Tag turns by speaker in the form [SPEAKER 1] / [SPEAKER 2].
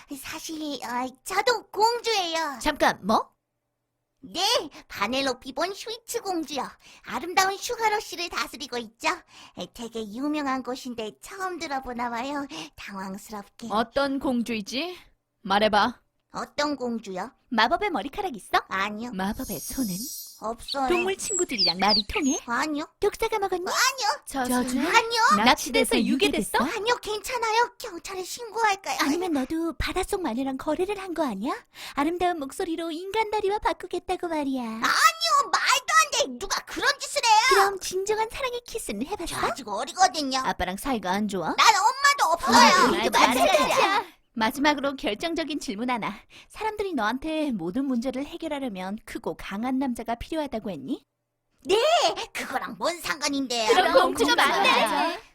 [SPEAKER 1] 사실 저도 공주예요.
[SPEAKER 2] 잠깐, 뭐?
[SPEAKER 1] 네, 바넬로피 본 슈이츠 공주요. 아름다운 슈가러쉬를 다스리고 있죠. 되게 유명한 곳인데 처음 들어보나 봐요. 당황스럽게.
[SPEAKER 2] 어떤 공주이지? 말해봐.
[SPEAKER 1] 어떤 공주요?
[SPEAKER 2] 마법의 머리카락 있어?
[SPEAKER 1] 아니요,
[SPEAKER 2] 마법의 손은?
[SPEAKER 1] 없어요.
[SPEAKER 2] 동물 친구들이랑 말이 통해?
[SPEAKER 1] 아니요,
[SPEAKER 2] 독사가 먹었니? 저주는?
[SPEAKER 1] 아니요,
[SPEAKER 2] 납치돼서 유괴됐어?
[SPEAKER 1] 아니요, 괜찮아요. 경찰에 신고할까요?
[SPEAKER 2] 아니면 너도 바닷속 마녀랑 거래를 한 거 아니야? 아름다운 목소리로 인간 다리와 바꾸겠다고 말이야.
[SPEAKER 1] 아니요, 말도 안 돼. 누가 그런 짓을 해요?
[SPEAKER 2] 그럼 진정한 사랑의 키스는
[SPEAKER 1] 저
[SPEAKER 2] 해봤어?
[SPEAKER 1] 아직 어리거든요.
[SPEAKER 2] 아빠랑 사이가 안 좋아?
[SPEAKER 1] 난 엄마도 없어요.
[SPEAKER 2] 우리도 마찬가지야. 마지막으로 결정적인 질문 하나. 사람들이 너한테 모든 문제를 해결하려면 크고 강한 남자가 필요하다고 했니?
[SPEAKER 1] 그거랑 뭔 상관인데요?
[SPEAKER 2] 그럼 공주가
[SPEAKER 1] 공주가
[SPEAKER 2] 맞네.